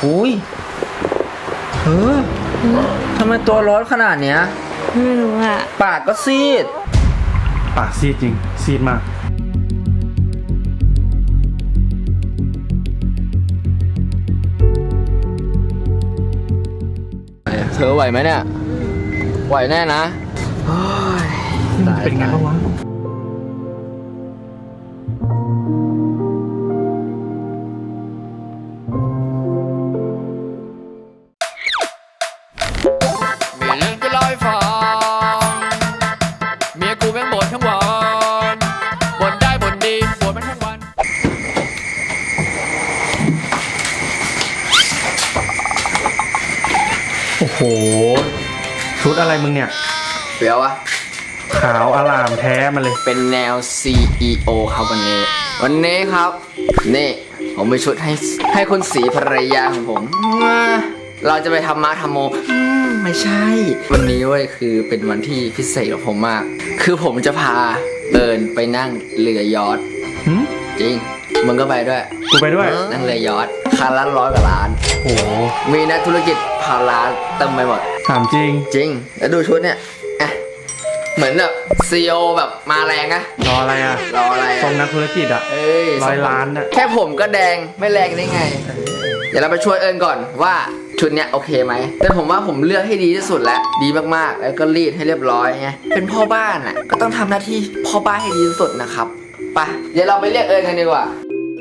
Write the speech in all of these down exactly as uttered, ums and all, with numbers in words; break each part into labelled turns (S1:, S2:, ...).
S1: อุ้ยเออทำไมตัวร้อนขนาดเนี้ย
S2: ไม่รู้อ่ะ
S1: ปากก็ซีด
S3: ปากซีดจริงซีดมาก
S1: เธอไหวไหมเนี่ยไหวแน่นะ
S3: เป็นไงบ้างวะ
S4: มีเรื่องจะเล่าให้ฟังเมียกูแม่งบ่นทั้งวันบ่นได้บ่นดีบ่นมันทั้งวัน
S3: โอ้โหชุดอะไรมึงเนี่ย
S1: เปรี้ยวอะ
S3: ขาวอลามแท้มาเลย
S1: เป็นแนว ซี อี โอ ครับวันนี้วันนี้ครับนี่ผมมีชุดให้ให้คุณสีภรรยาของผมเราจะไปทำมาทำโมไม่ใช่วันนี้เว้ยคือเป็นวันที่พิเศษของผมมากคือผมจะพาเอิญไปนั่งเรือยอชต์จริงมึงก็ไปด้วย
S3: กูไปด้วย
S1: นั่งเรือยอชต์คันละร้อยกว่าล้าน
S3: โอ้
S1: มีนักธุรกิจพันล้านเต็มไปหมด
S3: ถามจริง
S1: จริงแล้วดูชุดเนี่ยเหมือนแบบซีอีโอแบบมาแรงอะ
S3: รออะไรอะ
S1: รออะไร
S3: ทรงนักธุรกิจอะร้อยล้านอะ
S1: แค่ผมก็แดงไม่แรงได้ไงเดี๋ยวเราไปช่วยเอิญก่อนว่าชุดเนี้ยโอเคไหมแต่ผมว่าผมเลือกให้ดีที่สุดแล้วดีมากๆแล้วก็รีดให้เรียบร้อยไงเป็นพ่อบ้านอะก็ต้องทำหน้าที่พ่อบ้านให้ดีที่สุดนะครับไปเดี๋ยวเราไปเรียกเอิญกันดีกว่า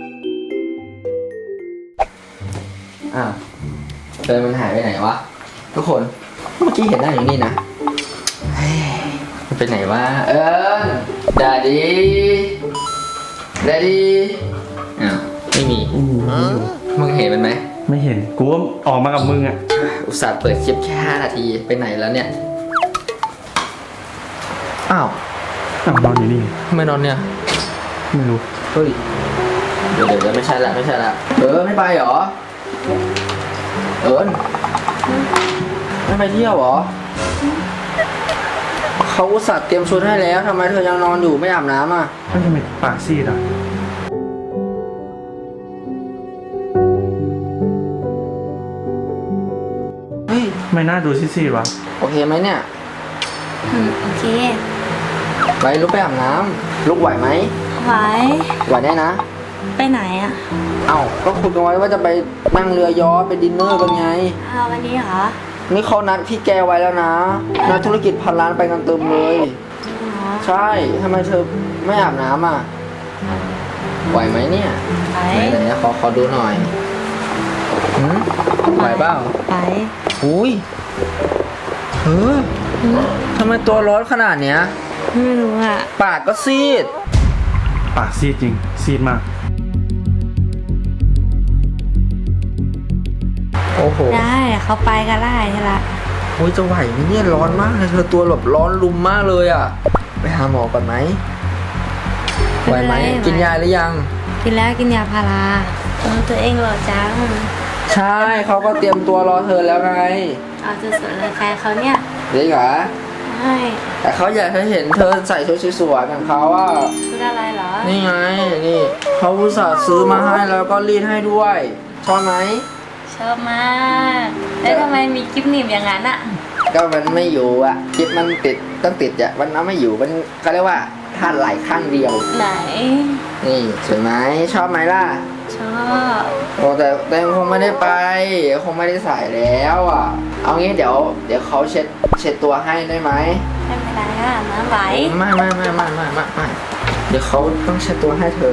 S1: อ้าวเอิญมันหายไปไหนวะทุกคนเมื่อกี้เห็นหน้าอยู่นี่นะไปไหนวะเอิญดาดีดาดีอ้าวไม่มีมึงเห็นมันไหม
S3: ไม่เห็นกูก็ออกมากับมึงอ่ะ
S1: อุตส่าห์เปิดคลิปแค่ห้านาทีไปไหนแล้วเนี่ยอ้าว
S3: อ้าวนอนอยู่นี่
S1: ทำไมนอนเนี่ย
S3: ไม่รู้
S1: เฮ้ยเดี๋ยวเดี๋ยวไม่ใช่ละไม่ใช่ละเออไม่ไปหรอเอิญไม่ไปเที่ยวหรอเขาอุตส่าห์เตรียมชุดให้แล้วทำไมเธอยังนอนอยู่ไม่อาบน้ำอ่ะ
S3: ไม่ทำไมปากซีดอ่ะ
S1: เฮ้ย
S3: ไม่น่าดูซีดๆวะ
S1: โอเคไหมเนี่ย
S2: อืมโอเค
S1: ไปลุกไปอาบน้ำลุกไหวไหม
S2: ไหว
S1: ไหวได้นะ
S2: ไปไหนอ่ะ
S1: เอ้าก็คุยกันไว้ว่าจะไปนั่งเรือยอชต์ไปดินเนอร์กันไง
S2: อ้าววันนี้เหรอ
S1: นี่เขานัดพี่แกไว้แล้วนะนักธุรกิจพันล้านไปกันเติมเลยใช่ทำไมเธอไม่อาบน้ำอ่ะไหวไหมเนี่ย
S2: ไหว
S1: ไหนๆขอขอดูหน่อยหืมไหวเปล่า
S2: ไหว
S1: อุ้ยเออทำไมตัวร้อนขนาดเนี้ย
S2: ไม่รู้อ่ะ
S1: ปากก็ซีด
S3: ปากซีดจริงซีดมาก
S1: โอ้โห
S2: ได้เขาไปก็ได้ใช่ละ
S1: โอ้ยจะไหวไหมเนี่ยร้อนมากเลยเธอตัวแบบร้อนรุมมากเลยอ่ะไปหาหมอก่อนไหมไหวไหมกินยาหรือยัง
S2: กินแล้วกินยาพาราเออตัวเองหล่อจัง
S1: ใช่เขาก็เตรียมตัวรอเธอแล้วไง
S2: เอาจะสวยเลยใครเขาเนี่ย
S1: เด็กเหรอ
S2: ใช่
S1: แต่เขาอยากให้เห็นเธอใส่ชุดสวยๆของเขาว่า
S2: ชุดอะไรเหรอ
S1: นี่ไงนี่เขาอุตส่าห์ซื้อมาให้แล้วก็รีดให้ด้วยชอบไหม
S2: ชอบมากแล้วทำไมมีกิ๊บหนีบอย่างนั้นอ่ะ
S1: ก็มันไม่อยู่อ่ะกิ๊บมันติดต้องติดอ่ะมันเอาไม่อยู่มันเขาเรียกว่าท่าไหลข้างเดียว
S2: ไหน
S1: นี่สวยไหมชอบไหมล่ะ
S2: ชอบ
S1: โอ้แต่แต่คงไม่ได้ไปคงไม่ได้ใส่แล้วอ่ะเอางี้เดี๋ยวเดี๋ยวเขาเช็ดเช็ดตัวให้ได้ไหม
S2: ไม่เป็นไรอ่ะน้ำไหล
S1: ไม่ไม่ไม่ไม่ไม่ไม่ไม่เดี๋ยวเขาต้องเช็ดตัวให้เธอ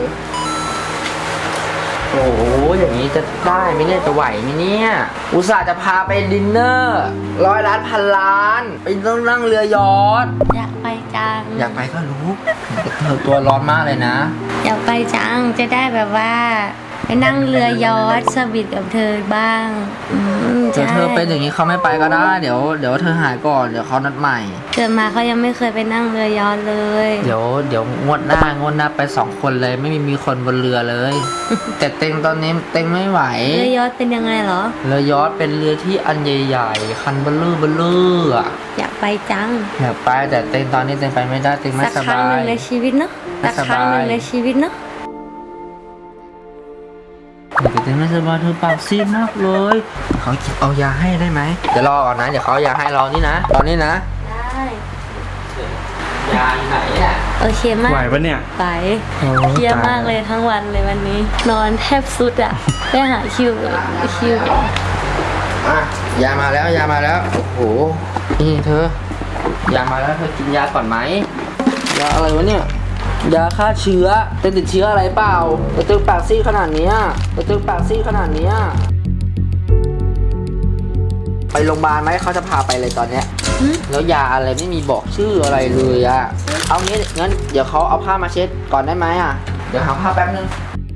S1: โอ้โหอย่างนี้จะได้ไหมเนี่ยจะไหวไหมเนี่ยอุตส่าห์จะพาไปดินเนอร์ร้อยล้านพันล้านไปต้องนั่งเรือยอชต์
S2: อยากไปจัง
S1: อยากไปก็รู้เธอตัวร้อนมากเลยนะ
S2: อยากไปจังจะได้แบบว่าไปนั่งเรือยอชต์สวีทกับเธอบ้าง
S1: เธอเธอเป็นอย่างนี้เขาไม่ไปก็ได้เดี๋ยวเดี๋ยวเธอหายก่อนเดี๋ยวเขานัดใหม่
S2: เกิดมาเขายังไม่เคยไปนั่งเรือยอชต์เลย
S1: เดี๋ยวเดี๋ยวงวดหน้างวดหน้าไปสองคนเลยไม่มีมีคนบนเรือเลยแต่เต็งตอนนี้เต็งไม่ไหว
S2: เรือยอชต์เป็นยังไงเหรอ
S1: เรือยอชต์เป็นเรือที่อันใหญ่ๆคันเบลล์เบลล์อ่ะ
S2: อยากไปจัง
S1: อยากไปแต่เต็งตอนนี้เต็งไปไม่ได้เต็งไม่สบายสักครั้งหนึ่ง
S2: ในชีวิตเนาะสักครั้งหนึ่งในชีวิตเนาะ
S1: เดี๋ยวเต็งไม่สบายเธอปากซีดมากเลยเขาเอายาให้ได้ไหมเดี๋ยวรอก่อนนะเดี๋ยวเขาเอายาให้รอนี่นะรอนี่นะ
S2: ได้
S1: ยาอยู่ไหนอ่ะ
S2: โอเคมาก
S3: ไหวปะเนี่ย
S2: ไป
S3: โอ้
S2: เครียด
S3: ต
S2: มากเลยทั้งวันเลยวันนี้ นอนแทบสุดอ่ะไปหาคิวคิว
S1: อ่ะยามาแล้วยามาแล้วโอ้โหนี่เธอยามาแล้วเธอกินยาก่อนไหมยาอะไรวะเนี่ยยาฆ่าเชื้อเธอติดเชื้ออะไรเปล่าเธอตึงปากซีดขนาดเนี้ยเธอตึงปากซีดขนาดเนี้ยไปโรงพยาบาลไหมเขาจะพาไปเลยตอนเนี้ยแล้วยาอะไรไม่มีบอกชื่ออะไรเลยอะเอางี้งั้นเดี๋ยวเขาเอาผ้ามาเช็ดก่อนได้ไหมอะเดี๋ยวหาผ้าแป๊บนึง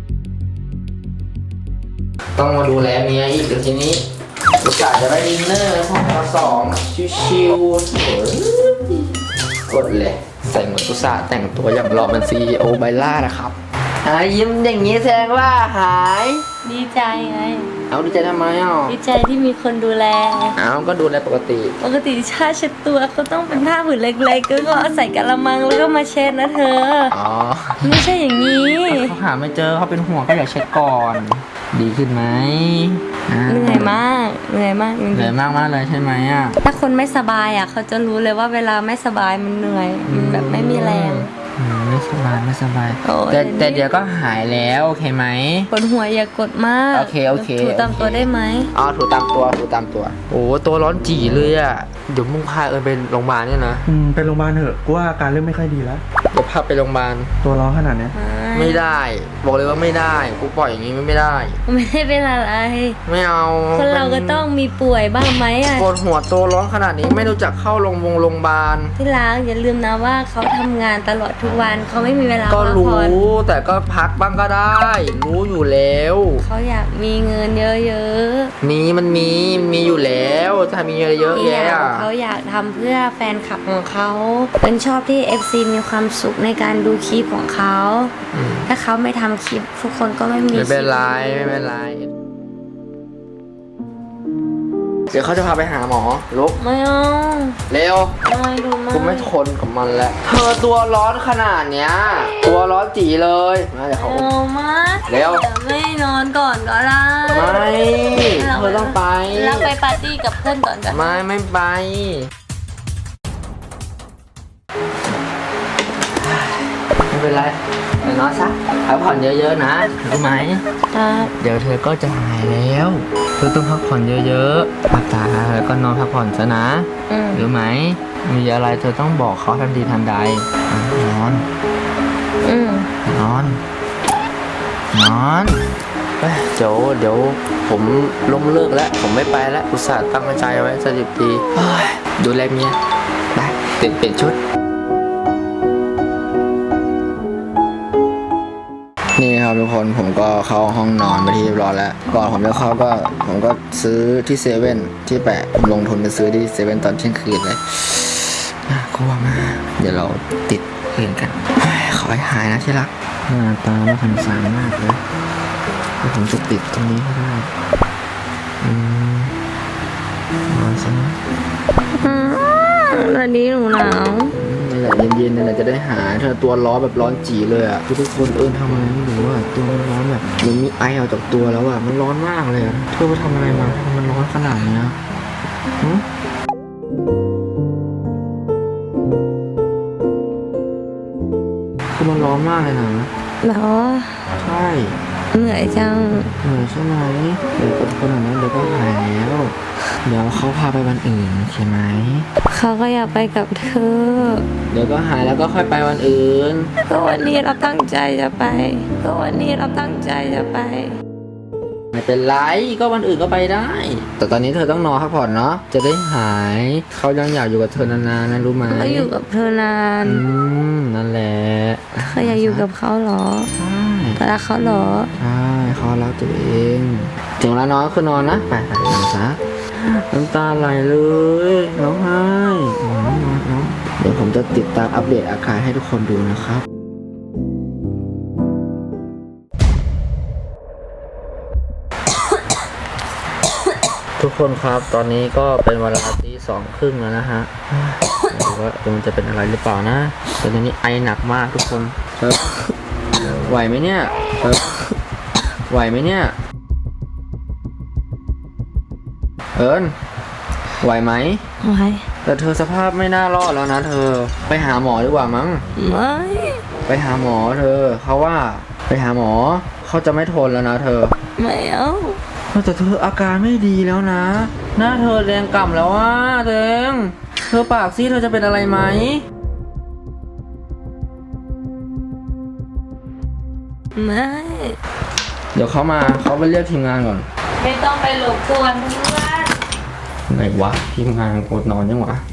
S1: ต้องมาดูแลเมียอีกเดี๋ยวทีนี้โอกาสจะได้ดินเนอร์ห้องเราสองชิวๆโอ้ยกดเลยใส่หมวกอุตส่าห์แต่งตัวอย่างหล่อเป็นซีอีโอไบล่านะครับหายยิ้มอย่างนี้แสดงว่าหาย
S2: ดีใจไง
S1: เอาดีใจทำไมอ่ะ
S2: ดีใจที่มีคนดูแล
S1: เอาก็ดูแลปกติ
S2: ปกติชาเช็ดตัวก็ต้องเป็นผ้าผืนเล็กๆก็ก็เอาใส่กะละมังแล้วก็มาเช็ดนะเธอ
S1: อ๋อ
S2: ไม่ใช่อย่างนี้
S1: เขาหาไม่เจอเขาเป็นห่วงก็อยากเช็คก่อน ดีขึ้นไหม
S2: เหนื่อยมากเหนื่อยมากจริง
S1: เหนื่อยมากมากเลยใช่ไหมอ่ะ
S2: ๆถ้าคนไม่สบายอ่ะเขาจะรู้เลยว่าเวลาไม่สบายมันเหนื่อยมันแบบไม่มีแรง
S1: อืมไม่สบายไม่สบาย
S2: โอ้ย
S1: แต่แต่เดี๋ยวก็หายแล้วโอเคไหม
S2: ปวดหัวอย่ากดมาก
S1: โอเคโอเค
S2: ถูตาม
S1: โอเค
S2: ตัวได้ไหม
S1: อ๋อถูตามตัวถูตามตัวโอ้ตัวร้อนจี่เลยอ่ะเดี๋ยวมึงพาเอิญไปโรงพยาบาลเนี่ยนะ
S3: อืมไปโรงพยาบาลเถอะกูว่าอาการเริ่มไม่ค่อยดีแล้ว
S1: เดี๋ยวพาไปโรงพยาบาล
S3: ตัวร้อนขนาดเนี้ย
S1: ไม่ได้ บอกเลยว่าไม่ได้กูปล่อยอย่างนี้ไม่ได้
S2: ไม่ได้เป็นอะไร
S1: ไม่เอา
S2: คนเราก็ต้องมีป่วยบ้างไหมอ่ะ
S1: ปวดหัวตัวร้อนขนาดนี้ไม่รู้จักเข้าโรงพยาบาลโรงพยาบาล
S2: ที่รักอย่าลืมนะว่าเขาทำงานตลอดทุกวันเขาไม่มีเวลา
S1: ก็
S2: พัก
S1: รู้
S2: ผ่อน
S1: แต่ก็พักบ้างก็ได้ รู้อยู่แล้ว
S2: เขาอยากมีเงินเยอะ
S1: มีมันมีมีอยู่แล้วถ้ามีเยอะ
S2: ๆ
S1: แยะ
S2: อยาก
S1: อะ
S2: เขาอยากทำเพื่อแฟนคลับของเขาเป็นชอบที่ เอฟ ซี มีความสุขในการดูคลิปของเขา
S1: อืม
S2: ถ้าเขาไม่ทำคลิปทุกคนก็ไม่มี
S1: ไม่เป็นไร
S2: คลิป
S1: ไม่เป็นไร เดี๋ยวเขาจะพาไปหาหมอลุก
S2: ไม่เอา
S1: เร็ว
S2: ไม่ดูไม่
S1: กูไม่ทนกับมันแล้วเธอตัวร้อนขนาดเนี้ย ตัวร้อนจีเลยมาเดี๋ยวเขา
S2: เอามา
S1: เร็ว
S2: ดี๋ยไม่นอนก่อนก็ได้
S1: ไม่เธอต้องไป
S2: แล้วไปปาร์ตี้กับเพื่อนก่อนกัน
S1: ไม่ไม่ไปไม่เป็นไรเดี๋ยวนอนซะพักผ่อนเยอะๆนะรู้ไหม
S2: ครับ
S1: เดี๋ยวเธอก็จะหายแล้วเธอต้องพักผ่อนเยอะๆพักตาแล้วก็นอนพักผ่อนซะนะ
S2: อืม
S1: รู้ไหมมีอะไรเธอต้องบอกเขาทันทีทันใดอ่ะนอน
S2: อืม
S1: นอน นอนเอ้ยเดี๋ยวเดี๋ยวผมล้มเลิกแล้ว ผมไม่ไปแล้ว อุตส่าห์ตั้งใจไว้สักสิบปีเฮ้ยดูแลเมียไปเปลี่ยนเปลี่ยนชุด นี่ครับทุกคนผมก็เข้าห้องนอนไปที่เรียบร้อยแล้ว ก่อนผมจะเข้าก็ผมก็ซื้อที่เซเว่นที่แปะผมลงทุนไปซื้อที่เซเว่นตอนเที่ยงคืนเลยน่ากลัวมากเดี๋ยวเราติดเพลงกันเฮ้ยขอให้หายนะที่รักหน้าตาน่าสงสารมากเลยเดี๋ยวผมจะติดตรงนี้ให้ได้อืมนอนซะนะ
S2: อืมวันนี้หนูหนาว
S1: นี่แหละเย็นๆนี่แหละจะได้หายเธอตัวร้อนแบบร้อนจีเลยอ่ะทุกคนเอิญทำอะไรไม่รู้อ่ะตัวมันร้อนแบบมันมีไอออกจากตัวแล้วอ่ะมันร้อนมากเลยอ่ะเธอไปทำอะไรมาทำไมมันร้อนขนาดเนี้ยหึคือมันร้อนมากเลยนะ
S2: เหรอ
S1: ใช่
S2: เหนื่อยจัง
S1: เหนื่อยใช่ไหมเดี๋ยวคนขนาดนั้นเดี๋ยวก็หายแล้วเดี๋ยวเขาพาไปวันอื่นใช่ไหม
S2: เขาก็อยากไปกับเธอ
S1: เดี๋ยวก็หายแล้วก็ค่อยไปวันอื่น
S2: ก็วันนี้เราตั้งใจจะไป ก็วันนี้เราตั้งใจจะไป
S1: ไม่เป็นไรก็วันอื่นก็ไปได้ แต่ตอนนี้เธอต้องนอนพักผ่อนเนาะจะได้หายเขายังอยากอยู่กับเธอนานๆนะรู้ไหม
S2: ก็อยู่กับเธอนาน
S1: อืมนั่นแหละ
S2: เธออยากอยู่กับเขาเหรอ
S1: ใช่
S2: เธอรักเขาเหรอ
S1: ใช่เขารักตัวเองถึงเวลานอนก็คือนอนนะไปไปนอนซะน้ำตาไหลเลยร้องไห้นอนนอนนอนเดี๋ยวผมจะติดตามอัปเดตอาการให้ทุกคนดูนะครับ ทุกคนครับตอนนี้ก็เป็นเวลาตีสองครึ่งแล้วนะฮะไม่รู้ว่ามันจะเป็นอะไรหรือเปล่านะแต่ตอนนี้ไอหนักมากทุกคนครับไหวไหมเนี่ยครับไหวไหมเนี่ยเอิญไหวไหม
S2: ไว้
S1: แต่เธอสภาพไม่น่ารอดแล้วนะเธอไปหาหมอดีกว่ามั้ง
S2: ไม่
S1: ไปหาหมอเธอเขาว่าไปหาหมอเขาจะไม่ทนแล้วนะเธอ
S2: ไม่เอา
S1: แต่เธออาการไม่ดีแล้วนะ หน้าเธอแดงก่ำแล้วว่าเตงเธอปากซีดเธอจะเป็นอะไรไหม
S2: ไม่
S1: เดี๋ยวเขามาเขาไปเรียกทีมงานก่อน
S2: ไม่ต้องไปหลบกวนเพื่อน
S1: ไหนวะทีมงานกดนอนยังวะ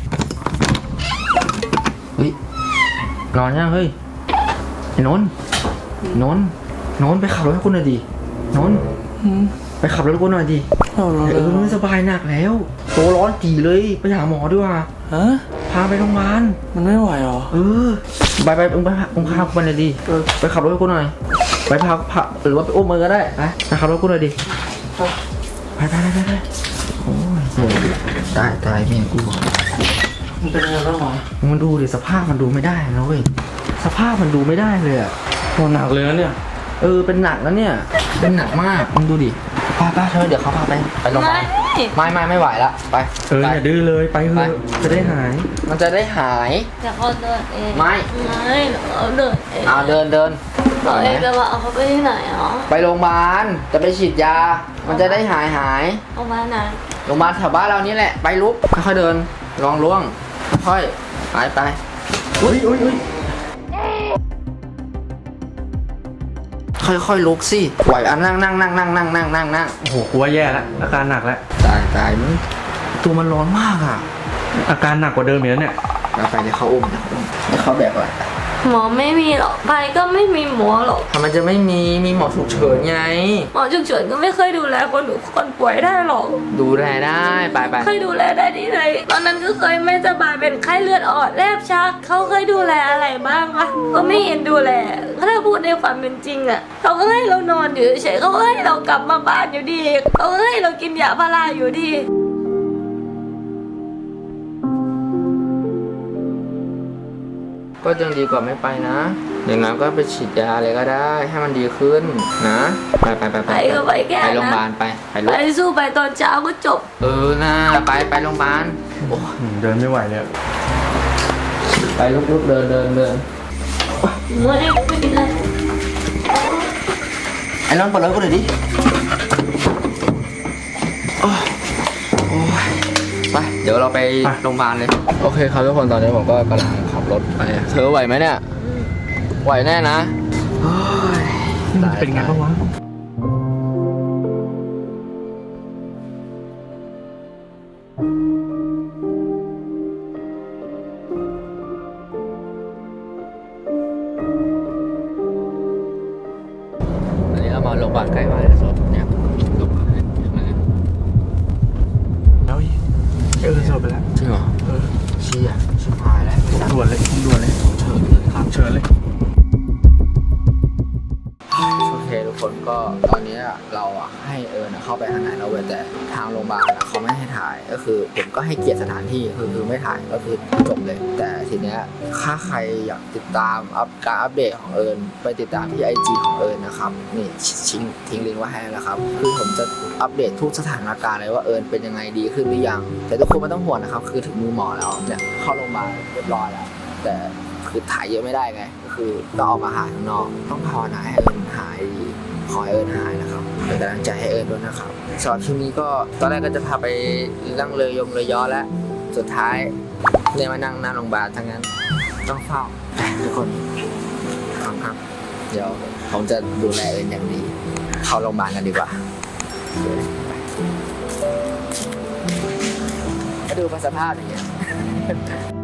S1: เฮ้ยนอนยังเฮ้ยไอ้นนท์นนท์นนท์ไปขับรถให้กูหน่อยดินนท์ไปขับรถให้กูหน่อยดิ
S3: เอาเรา
S1: เออไม่สบายหนักแล้วตัวร้อนจีเลยไปหาหมอดีกว่า
S3: ฮะ
S1: พาไปโรงพยาบาล
S3: มันไม่ไหวหรอ
S1: เออไปไปมึงไปพามึงพากูไปหน่อยดิเออไปขับรถให้กูหน่อยไปพาพาหรือว่าไปอุ้มมือก็ได้ไปไปขับรถให้กูหน่อยดิไปไปไปไปไปโอ้ยเดี๋ยวตายตายเมียกู
S3: มันเป็นยังไงบ้างหมอ
S1: มันดูดิสภาพมันดูไม่ได้นะเว้ยสภาพมันดูไม่ได้เลยอะ
S3: โหหนักเลยนะเนี่ย
S1: เออเป็นหนักแล้วเนี่ยเป็นหนักมากมึงดูดิป้าป้าเธอเดี๋ยวเขาพาไปไปโรงพยาบาลไม่ไม่ไม่ไหวละไป
S3: เออ
S1: ไป
S3: อย่าดื้อเลยไปเถ
S1: ไป
S3: อะจะได้หาย
S1: มันจะได้หาย
S2: จะเขาเดินเอง
S1: ไม่
S2: ไม่เขาเดินเอง
S1: เอาเดินเดิน
S2: เขาเองจะมาเอาเขาไปที่ไหนอ๋อ
S1: ไปโรงพยาบาลจะไปฉีดยา มันจะได้หายหาย
S2: เอามาไหน
S1: โรงพยาบาลแถวบ้านเรานี่แหละไปลุกค่อยๆเดินลองล่วงค่อยไปไปอุ้ยอุ้ยอุ้ยค่อยๆลุกสิไหวอ่ะนั่งนั่งนั่งนั่งนั่งนั่งนั่งนั่ง
S3: โอ้โหกลัวแย่แล้วอาการหนักแล้ว
S1: ตายตายมึงตัวมันร้อนมากอ่ะ
S3: อาการหนักกว่าเดิมอีกแล้วเนี่ย
S1: ไปไปเดี๋ยวเขาอุ้มเดี๋ยวเขาอุ้มเดี๋ยวเขาแบกก่อน
S2: หมอไม่มีหรอกไปก็ไม่มีหมอหรอก
S1: ทำไมจะไม่มีมีหมอฉุกเฉินไง
S2: หมอฉุกเฉินก็ไม่เคยดูแลคนคนป่วยได้หรอก
S1: ดูแลได้ไปไป
S2: เคยดูแลได้ที่ไหนตอนนั้นก็เคยไม่สบายเป็นไข้เลือดออกแลบชักเขาเคยดูแลอะไรบ้างวะก็ไม่เห็นดูแลถ้าพูดในความเป็นจริงอะเขาก็ให้เรานอนอยู่เฉยๆเขาก็ให้เรากลับมาบ้านอยู่ดีเขาก็ให้เรากินยาพาราอยู่ดี
S1: ก็ยังดีกว่าไม่ไปนะอย่างนั้นก็ไปฉีดยาอะไรก็ได้ให้มันดีขึ้นนะไปไปไป
S2: ไปก็ไปแค่
S1: ไปโรงพยาบา
S2: นะ
S1: ลไปไปลุก
S2: ไปสู้ไปตอนเช้าก็จบ
S1: เออนะไปไปโรงพยาบาลโอ้
S3: อืมเดินไม่ไหวเลย
S1: ไปลุกลุกเดินเดินเดิน
S2: ไม่ไม่เป็นไร
S1: ไอ้น้องเปิดรถกูหน่อยดิโอ้โอ้ยไปเดี๋ยวเราไปโรงพยาบาลเลยโอเคครับทุกคนตอนนี้ผมก็กำลังขับรถไปเธอไหวไหมเนี่ยไหวแน่นะโอ้ย
S3: มันจะเป็นไงบ้างวะ
S1: อันนี้เรามาโรงพยาบาลใกล้บ้านแล้วครับเนี่ยโรงพยาบาลเนี่ยมา
S3: แล้วอีกเออสลบไปแล้ว
S1: จริงเหรอ
S3: เออ
S1: เชี่ยชิบหายแล้ว
S3: ด่วนเลยด่วนเลย
S1: เชิญเลยครับ
S3: เชิญเลย
S1: โอเคทุกคนก็ตอนนี้เราอ่ะให้เอิญเข้าไปข้างในแล้วเว้ยแต่ทางโรงพยาบาลอะเขาไม่ให้ถ่ายก็คือผมก็ให้เกียรติสถานที่คือคือไม่ถ่ายก็คือจบเลย แต่ทีเนี้ยถ้าใครอยากติดตามอัปการอัปเดตของเอิญไปติดตามที่ ไอ จี ของเอิญนะครับนี่ทิ้งทิ้งลิงก์ไว้ให้แล้วครับคือผมจะอัปเดตทุกสถานการณ์เลยว่าเอิญเป็นยังไงดีขึ้นหรือยัง แต่ทุกคนไม่ต้องห่วงนะครับคือถึงมือหมอแล้วเนี่ยเข้าโรงพยาบาลเรียบร้อยแล้วแต่คือถ่ายเยอะไม่ได้ไงก็คือต้องออกมาหาข้างนอกต้องภาวนาให้เอิญหายดีขอให้เอิญหายนะครับเป็นกำลังใจให้เอิญด้วยนะครับสำหรับคลิปนี้ก็ตอนแรกก็จะพาไปนั่งเรือยงเรือยอแล้วสุดท้ายเนี่ยมานั่งหน้าโรงพยาบาลทั้งนั้นต้องเฝ้าทุกคนครับครับเดี๋ยวผมจะดูแลเอิญอย่างดีเข้าโรงพยาบาลกันดีกว่าก็ดูสภาพอย่างเงี้ย